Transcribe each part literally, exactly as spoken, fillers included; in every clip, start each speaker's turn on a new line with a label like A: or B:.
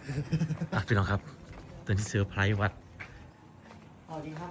A: อ่ะพี่น้องครับตอนที่เซอร์ไพรส์วัด
B: สวัสดีครับ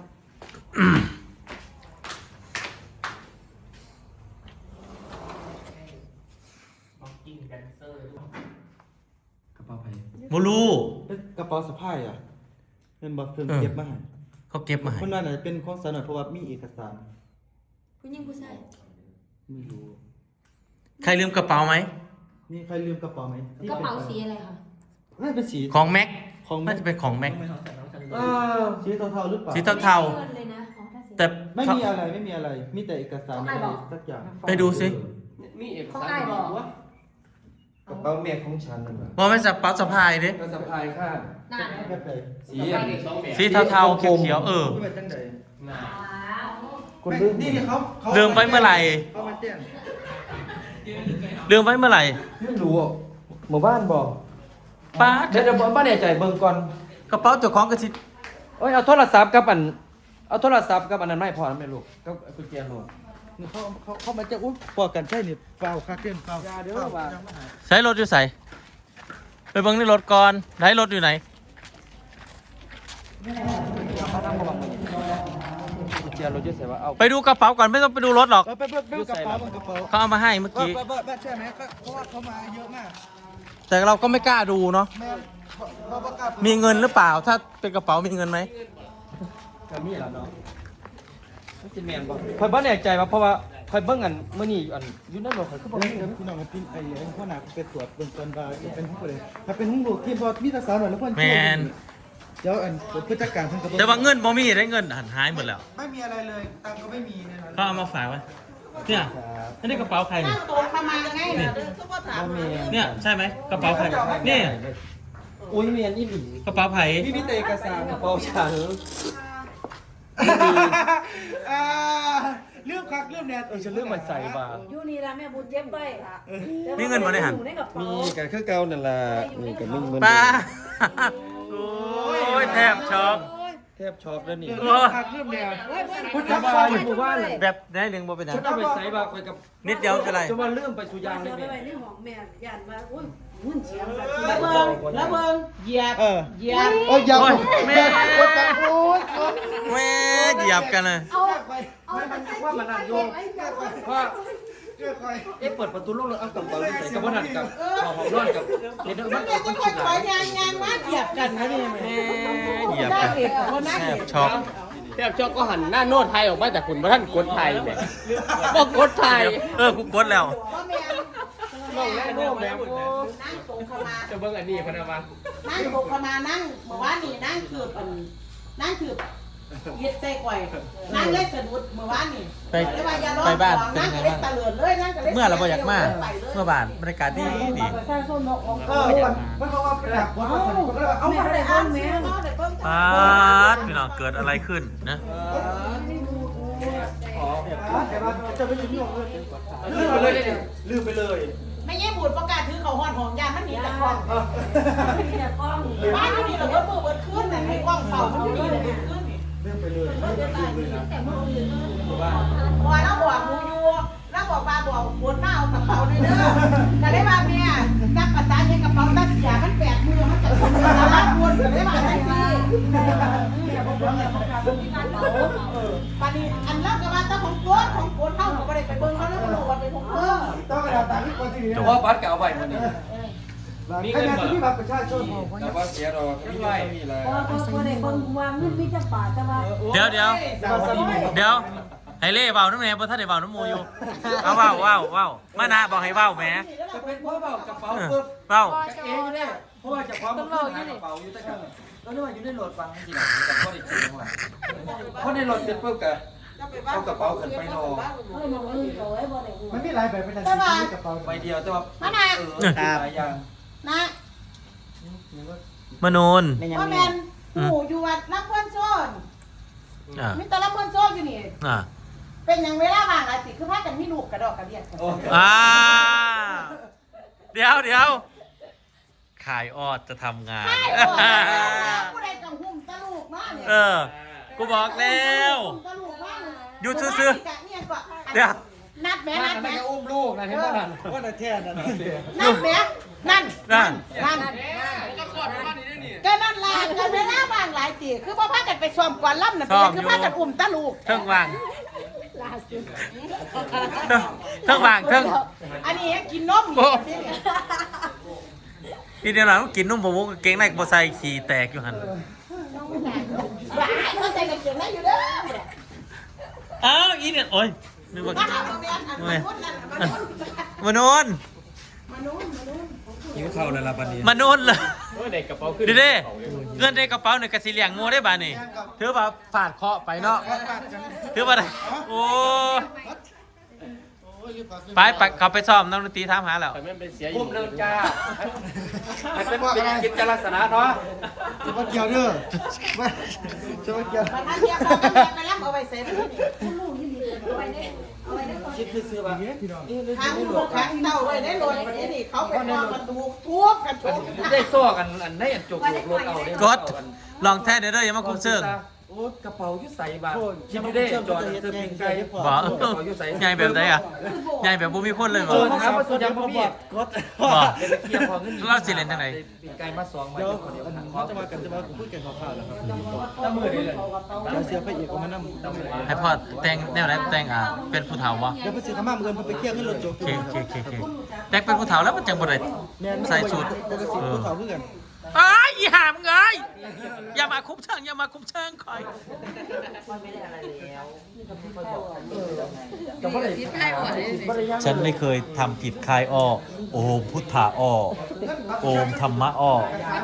B: บ็อกกิ้งแดนเซอร์กระเป๋าไผ่
A: โมลู
C: กระเป๋าสะพายอ่ะเป็นบอกเพิ่มเก็บมาให้
A: เขาเก็บมาให้
C: คนนั้นน่ะเป็นของสาวหน่อยเพราะว่ามีเอกสาร
D: ผู้หญิงผู้ชาย
C: ไม่รู้
A: ใครลืมกระเป๋าไหม
C: มีใครลืมกระเป๋าไหม
D: กระเป๋าสีอะไรคะ
C: น่าจะเป็นสี
A: ของแม็ก
C: ของ
A: น่าจะเป็นของแม็ก
C: เออสีเทาๆหรือเปล่า
A: สีเทา
D: ไม่มีเงินเลยนะของถ้าสี
A: แต่
C: ไม่มีอะไรไม่มีอะไรมีแต่เอกสารอะไรสักอย่าง
A: ไปดูสิ
B: มีเอก
D: ของ
B: สาร
D: ไอ้บอก
B: วะ
E: กระเป๋าแม่ของฉันนั่นแหละ
A: ว่าไม่สับเป๋าสะพายดิ
E: ก็สะพายข้าง
D: นั่น
C: แบบไหน
E: สี
B: สีเด็กสองแบบ
A: สีเทาๆเขียวๆเออ
C: ไม่เป็นจังได
B: หนา
E: คนลืม
C: นี่นี่เขาเขา
A: ลืมไว้เมื่อไหร่
C: เขามาแจ้ง
A: ลืมไว้เมื่อไหร่
E: ไม่รู้อ่ะหมู่บ้านบอก
A: ป้า
E: เดี๋ยวเดี๋ยวบ้านเนี่ยใจเบิ่งก่อน
A: กระเป๋าเจ้าของกระสิ
E: เอ้ยเอาโทรศัพท์กับอันเอาโทรศัพท์กับอันนั้นไม่พอนะแม่ลูกกับกุญแจรถ
C: นี่เขาเขาเขามาแจ้งอุ้ยปอกันใช่นี่เปล่าคักเกินเปล่า
E: อย่าเด้อ
C: ปล่
E: ว่า
C: ยังไม่หาย
A: ใช้รถอยู่ใส่ไปเบิ่งในรถก่อนไหนรถอยู่ไหน
E: เขาทำมาบังมันกุญแจรถอยุ่ใส่ว่าเอา
A: ไปดูกระเป๋าก่อนไม่ต้องไปดูรถหรอก
C: เออไปเบิ่งเบิ่งกระเป๋าเบิ่งกระเป๋า
A: เขาเอามาให้เมื่อ
C: เออ
A: กี้
C: เบิ่งเบิ่งเบิ่งใช่ไหมก็เพราะว่าเขามาเยอะมาก
A: แต่เราก็ไม่กล้าดูเนาะ
C: แม่เขาเขาประกาศ
A: มีเงินหรือเปล่า ถ้าเป็นกระเป๋ามีเงินไหม
E: ก็มีแล้วเนาะไม่สิแม่นบ่คอยบ้านเนี่ยใจว่าเพราะว่าคอยเบิ่งอันมื้อนี้อันอยู่ในรถคอยคือบ่
C: เดี๋ยว
E: มีเงิน
C: พี่น้องมาปิ้นไอ้ไอ้ข้อหนาไปตรวจเบื้องต้นว่าจะเป็นหุ้นเลยถ้าเป็นหุ้นลูกที่พอมีตาสาวหน่อยแล้วเพื่อน
A: แมน
C: เดี๋ยวอันผู้จัดการเพิ่นก็
A: แต่ว่าเงินบ่มีได้เงินหันหายหมดแล้ว
C: ไม่มีอะไรเลยตังค์ก็ไม่มีในนั้น
A: เขาเอามาฝากไว้เนี่ยอันนี้กระเป๋าใครเนี่ย
D: ตัวขมาไง
A: นี่
E: บ่แม่น
A: เนี่ยใช่ไหมกระเป๋าใครนี่
E: อุ้ยแม่นอีหลี
A: กระเป๋าไผ่
C: พี่มีแต่เอกสาร
E: กระเป๋าฉัน
C: อ่าเรื่องคักเรื่องแนน
E: เออฉันลืมมาใส่บ่า
D: อยู่นี่ละแม่บุญเจ็บไว้ค่ะ
A: มีเงินบ่ได้หัน
D: อยู่ในกระเป๋า
E: มีกันคือเก่านั่นล่ะนี่ก็มึงเบิ่ง
A: ป้าโอ้ยแทบช็อก
E: แทบช็อกแล้วนี่
A: โอ้
C: คักเรื่องแนน
E: พุทธบาลหมู่บ้าน
A: แบบได้เรื่องบ่เป็นหยัง
E: ฉันเอาไปใส่บ่าคอยกับ
A: นิดเดียวเป็นไร
E: จะมาลืมไปสุยางเลย
D: เสื้อ
E: แม่
D: ไปไว้ในห้องแม่ย่านว่าอุ้ยหุ่นเสียงสัตว์
E: แล้
D: แล้ว ว
E: เบิ่
D: เบิ่
E: ง
D: งแล้วเบิ่งเหยียบ
C: เออ
D: เหยียบ
C: โอ้ยยัง
A: โอ้ยแม่
C: กดกันโอ้ย
A: แม่เหยียบกันเลย
D: เอา
E: เอามันว่ามันนั่นโยมว่า
C: เรื่องใคร
E: เอ๊ะเปิดประตูลงเลยเอากระเป๋าใส่กับบ่นั่นกับเอาของนอนกับเห็นมัน
D: แม่
E: เอา
D: จะ
E: คน
D: ค่
E: คิ
D: อย
E: ดห
D: ถ
E: ลา
D: อย ยยางยางมาเหยียบกันนะนี่
A: แม่เหยียบกันแทบช็อก
B: แทบช็อกก็หันหน้าโน้ตไทยออกมาจากคุณพระท่านกดไทยเนี่ยบอกกดไทย
A: เออกูกดแล้ว
D: ว่าแม่
B: ลงแน่โน้ตแล้ว
D: นั่งตรงเข้ามา
B: จะเบิ่งอันนี้พนักงาน
D: นั่งตรงเข้ามานั่งเมื่อวานนี่นั่งคืออันนั่งคือยึดใส่ก่อยนั่งเล่นสะดุดเมื่อวานนี่
A: ไป
D: เลยว่าอย่าร้อง
A: ไปบ้าน
D: นั่ง
A: เป็น
D: ก็
A: ไง
D: เล่น
A: บ้าง
D: ตะเลิดเลยนั่งก็เล่น
A: เมื่อเราบ่อยากมา
D: ไปลย
A: เมื่อบานบรรยากาศดีดี
D: ประชาชนบอกออก
C: เออมันมันบอกว่าเป็นหลักคนคนคนก็เลยเอา
D: เอา
C: มา
D: มาได้บ้างแม่เอาได้บ้าง
A: ปาดพี่น้องเกิดอะไรขึ้นนะ
E: ขอ
C: แต่ว่าจะไปยืมเงิน
E: ลืมไปเลยเนี่ย
C: ลืมไปเลย
D: ไม่ใช่บูดประกาศถือเขาห้อนหอมยามันหนีจากกล้อง
F: มีแต่กล้อง
D: บ้านอยู่นี่เราเบิดมือเบิดขึ้นแต่ให้กล้องเฝ้ามันอยู่นี่เลยขึ้นนี่
C: ลืมไปเลย
F: แต่เมื่อคืน
D: พอเราบอกมูอยู่เราบอกปลาบอกบนหน้าเอากระเป๋าในเด้อแต่ได้มาแม่นับภาษาเนี่ยกระเป๋าตัดเสียมันแปดมือมันจะคนละล้านบนแต่ได้มาได้สิปานีอันเลิกกับว่าตาของโกดของโกดเข้าหนูก็ได้ไปเบิ่งเขาแล้วก็รู้ว่าเป็นของเออ
C: ต้องกระดาษต่างที่คนที่นี่
E: แต่ว่าบัตรเก่าไปหมดนี่
C: มีเงินที่บัตรประชาชน
E: แต่ว่าเสียดอกไม่ได้มีอะไร
F: พอพอพอได้คนวางเงินมีจักบาทแต่ว่า
A: เดี๋ยวเดี๋ยวเดี๋ยวให้เล่เบาน้ำแม่เพราะท่านได้เบาน้ำมูอยู่เอาเบาเบาเบามานะบอกให้เบาแม่
E: จะเป็นเพราะเปล่ากระเป๋าปุ๊บ
A: เบา
E: เองอยู่เนี่ยเพราะว่าจะความมันขึ้นหากระเป๋าอยู่แต่กันแล้วนี่ว่าอยู่ในรถฟังจริงๆกับพ่อเด็กจริงว่าเพราะในรถเป็นปุ๊บกับเอากระเป๋าขึ้นไปรอ
F: เฮ้ยมองอื่นก็ไว้บ่ได้ฮู้
C: มันมีหลายแบบเป็นอะไรที่กระเป๋า
E: ใบเดียวแต่ว่าเออหลายอย่าง
D: นะ
A: มนูน
D: ว่าแมนหูอยู่วัดรับเพื่อนโซน
A: อ่า
D: มีแต่รับเพื่อนโซนอยู่นี่
A: อ่า
D: เป็นอย่างเวลาบางอาทิตย์คือพากันมีลูกกระดอกกระเดียดกัน
A: อ่าเดี๋ยวเดี๋ยวขายออดจะทำงาน
D: ใช่โอ้ยผู้ใดกังหุ่มตะลูกมากเนี่ย
A: เออ กูบอกแล้ว
D: ตะลูกมาก
A: อยู่ซื่อๆเดี๋ยว
D: นัดแม่
E: นั่
D: นั
E: น
D: ด
E: นั่น
D: แม่
E: ก็อุ้มลูกนะเห็นป่ะนั่น
C: ว่าแต่แท้นั่น
D: นัดแม่นั่น
A: นั่น
D: นั่นายตีคือพ่อพากันไปซ้อมก่อนล่ำน่ะเป็นคือพากันอุ้มตาลูก
A: เทิงวาง
F: ล่าสุด
A: เทิงวางเทิง
D: อันนี้กินนมอยู่ที่นี่
A: พี่เดียวหลังกินนุ่มผมมุกเก่งในบอใส่ขี่แตกอยู่หัน
D: ว้ายเขาใส่กางเกงในอยู่เด้อ
A: อ้าวอีเนี่ยโอ้ยนึกว่า
D: มาหามาแม่นอันมานุ่นนั่นมานุ่น
A: มานอน
D: มานุ่นมานุ่น
E: หิวข้าวแล้วล่ะบัดนี้
A: มานอนเลย
B: เฮ้ยเด็กกระเป๋าขึ้น
A: เด้เงินในกระเป๋าเนี่ยกระสีเหลียงงูได้บ้านี่ถือว่าฝาดเคาะไปเนาะถือว่าได้โอ้ไปไปเขาไปซ้อมนักดนตรีถามหาแล้ว
B: แต่ไม่เป็นเสียอ
E: พุ่
B: ยู่
E: มเนินจ้ามันเป็นเป็นกิจลักษณะเนาะ
C: จะมาเกี่ยวเด้อมาจะมาเกี่ยว
D: มาทานเดียวกันแม่ไปล่ำเอาไปเสร็จนี่
F: ลูกที่ดีเอาไว้ได้เอาไว้ได้ก่อน
E: คิดคือซื้อมา
D: ทางลูกทางเต้าไว้ได้รถนี่นี่เขาไปนอนประตูทุบกันทุบ
E: ได้ซ้อกันอันได้อันจกรถเอาได้
A: กดลองแท้เด้ออย่ามาคุ้มเชิง
E: โอ้กระเป๋ายุ่ใส่บาคิดดูได้จอดเสื้อปิงไก่
A: บ่ใหญ่แบบไหนอ่ะใหญ่แบบบ่มีคนเลยบ่
E: เจอนะครับว่าสุดยังพ่อพี่
C: กด
A: บ่
E: เดี๋ยวไปเคลียร์พอเงิน
A: เราสิเล่นจังได๋
E: ปิงไก่มาสองมา
C: เดี๋ยว
E: คนเดียว
C: เขาจะมากันจะมาพูดกันข่าวๆแล้วครับ
E: ตั้งมือเลยเลย
C: เดี๋ยวเสียพระเอกเอามานั่ง
A: ให้พ่อแต่งแนวไหนแต่งอ่ะเป็นผู้เฒ่าบ่
C: เดี๋ยวไปซื้อข้าวมาเงินไปเที่ยวขึ้นรถโจ๊ก
A: โอเคโอเคโอเคโอเคแต่งเป็นผู้เฒ่าแล้วมันจังบ่ได้
C: แม่น
A: ใส่สูท
C: ปกติผู้สาวเพื่อน
A: อ้ายอีห่ามึงเอ้ยอย่ามาคุ้มเชิงอย่ามาคุ้มเชิงคอย
E: แต่ว่าอะไร
A: ฉันไม่เคยทำผิดคายอ้อโอมพุทธาอ้อโอมธรรมะอ้อ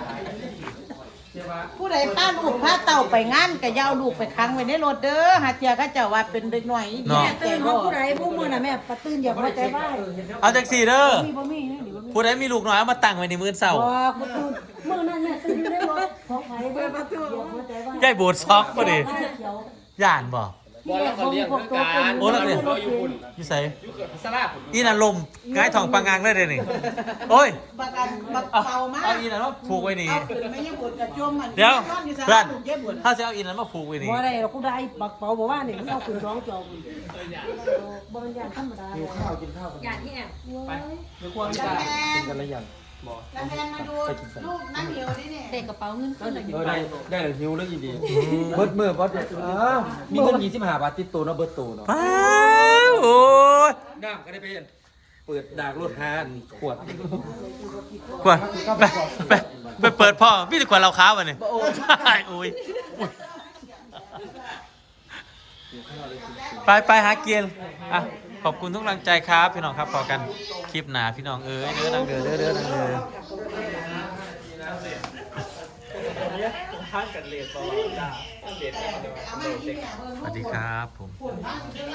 D: ผู้ใดพาลูกพาเต่าไปงานก็อย่าเอาลูกไปค้างไว้ในรถเด้อหาเจียก็เจ้าว่าเป็นเด็กน้อย
A: เนาะ
F: ตื่นของผู้ใดผู้มือน่ะแม่ปะตื่นอย่าพอใจบ้าย
A: เอาจังสี่เด้อ
F: มีบ่มีนี่บ่มี
A: ผู้ใดมีลูกน้อยเอามาตั้งไว้ในมือเสา
F: บ่กูตื่นมื้อนั้นแม่ตื่นอยู่ในรถของไผเปิดประตูอย่าพอใจบ้าย
A: ยายโบดซอกบ่ดิย่านบ่
B: บอลแล้วก็เลี้ยงเหมือนกัน
A: โอ้แล้วเนี่ย
B: เราอยู่คุณ
A: อยู่ไส
B: อยู่กับสลาคุณ
A: อีน่ะลมง่ายทองปังงางเลยเด้อนี่โอ้ย
D: บักอันบัก
A: เอา
D: เป่ามาก
A: เอาอีน่ะมาผูกไว้นี่
D: เอาขึ้นไม่ยังบุญกับโจมมัน
A: เดี๋ยว
D: อนอยู่ซะ
A: เพื่อน
D: ลูกเย็บบุญ
A: ถ้าจะเอาอีน่ะมาผูกไว้นี่
F: บ่ได้หรอกกูได้บักเป๋าบ่ว่านี่มึงเอาขึ้นร้องจอกูบ่มันอย่างธรรมดา
C: หิวข้าวกินข้าวกัน
F: อย่างที่แอบ
E: ไปเดี๋ยวควง
D: แล้ว
E: จ้า
D: แมน
C: กันละอย่าง
D: แล้วแมนมาดูลูกนั่งเหี่ยวนี่เนี่ย
F: เด็กกระเป๋าเงินขึ้นน่ะ
E: เออได้ได้เลยหิวแล้วอีดีเบิร์ดมือเบิร์ดอ้าวมีเงินยี่สิบห้าบาทติดตัวเนาะเบิร์ดตัวเนาะ
A: ป้าวโอ้ย
E: น้ำก็ได้ไปเห็นเปิดดากรถหานขวด
A: กว่าไปไปไปเปิดพ่อพี่จะกว่าเราค้าวะเนี่ยโอ้ยโอ้ยไปไปหาเกียร์อ่ะขอบคุณทุกกำลังใจครับพี่น้องครับพอกันคลิปหนาพี่น้องเอ้ยเด้อนังเด้อเด้อเด้อนังเด้อสวัสดีครับผม